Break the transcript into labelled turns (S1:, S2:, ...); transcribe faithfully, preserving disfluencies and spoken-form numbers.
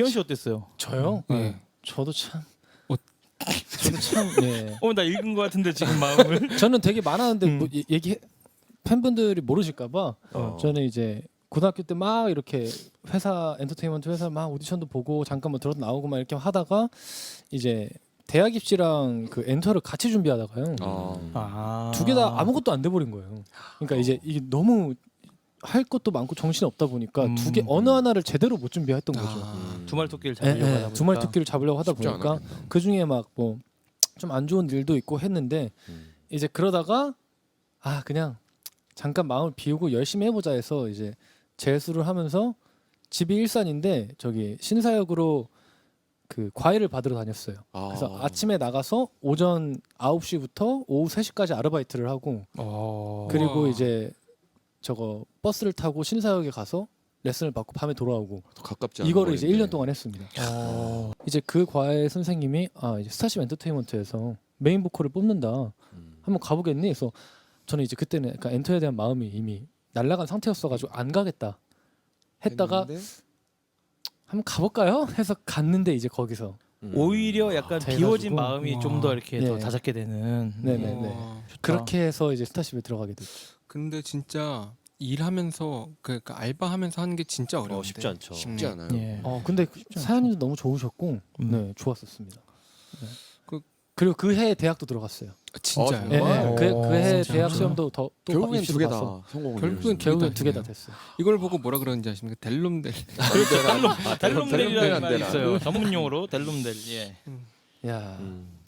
S1: 기현 씨 어땠어요?
S2: 저요?
S3: 네.
S2: 네. 저도 참.
S3: 어.
S2: 저도 참. 네.
S1: 어, 나 읽은 것 같은데 지금 마음을.
S2: 저는 되게 많았는데
S1: 음.
S2: 뭐 얘- 얘기 팬분들이 모르실까봐
S4: 어.
S2: 저는 이제 고등학교 때 막 이렇게 회사 엔터테인먼트 회사 막 오디션도 보고 잠깐 뭐 들어도 나오고 막 이렇게 하다가 이제 대학 입시랑 그 엔터를 같이 준비하다가요.
S4: 어.
S1: 아.
S2: 두 개 다 아무것도 안 돼 버린 거예요. 그러니까 이제 이게 너무 할 것도 많고 정신이 없다 보니까
S1: 음.
S2: 두 개 어느 하나를 제대로 못 준비했던 거죠.
S3: 아.
S1: 두말 토끼를
S2: 예,
S1: 잡으려고
S2: 예,
S1: 하다 보니까.
S2: 두말 토끼를 잡으려고 하다
S4: 쉽지
S2: 보니까
S4: 않았겠다.
S2: 그 중에 막 뭐 좀 안 좋은 일도 있고 했는데
S4: 음.
S2: 이제 그러다가 아 그냥 잠깐 마음을 비우고 열심히 해보자 해서 이제 재수를 하면서 집이 일산인데 저기 신사역으로 그 과외를 받으러 다녔어요.
S4: 아.
S2: 그래서 아침에 나가서 오전 아홉 시부터 오후 세 시까지 아르바이트를 하고
S1: 어.
S2: 그리고
S3: 와.
S2: 이제 저거 버스를 타고 신사역에 가서 레슨을 받고 밤에 돌아오고
S4: 더 가깝지 않은
S2: 이거를 이제
S4: 거리인데.
S2: 일 년 동안 했습니다.
S1: 어.
S2: 이제 그 과외 선생님이 아 이제 스타쉽 엔터테인먼트에서 메인 보컬을 뽑는다.
S4: 음.
S2: 한번 가보겠니? 그래서 저는 이제 그때는 약간 엔터에 대한 마음이 이미 날아간 상태였어가지고 안 가겠다 했다가
S4: 했는데?
S2: 한번 가볼까요? 해서 갔는데 이제 거기서
S4: 음.
S1: 오히려 약간
S2: 돼가지고.
S1: 비워진 마음이
S3: 와.
S1: 좀 더 이렇게 더
S2: 네.
S1: 다잡게 되는.
S2: 네네.
S1: 음.
S2: 네.
S3: 와.
S1: 좋다.
S2: 그렇게 해서 이제 스타쉽에 들어가게 됐죠.
S3: 근데 진짜 일하면서 그, 그 알바하면서 하는 게 진짜 어려운데.
S5: 어, 쉽지 않죠.
S4: 쉽지 않아요.
S1: 예.
S2: 어 근데
S1: 않죠.
S2: 사연님도 너무 좋으셨고
S1: 음.
S2: 네 좋았었습니다. 네.
S3: 그-
S2: 그리고 그 해에 대학도 들어갔어요.
S3: 아, 진짜요?
S4: 어,
S2: 네,
S4: 정말?
S2: 네. 그, 그 해
S3: 진짜?
S2: 대학 시험도 더 또
S4: 결국엔
S2: 입시도
S4: 두 개
S2: 봤어.
S4: 다 성공을.
S3: 결국엔
S4: 이루셨네.
S2: 결국엔 두 개 다
S3: 했네요.
S2: 됐어요.
S3: 이걸 보고 뭐라 그러는지 아십니까? 델롬델.
S1: 그렇죠. 델롬, 델롬델이라는
S4: 델롬델
S1: 말이
S4: 안 되나?
S1: 있어요. 전문 용어로 델롬델. 예.
S2: 야
S4: 음.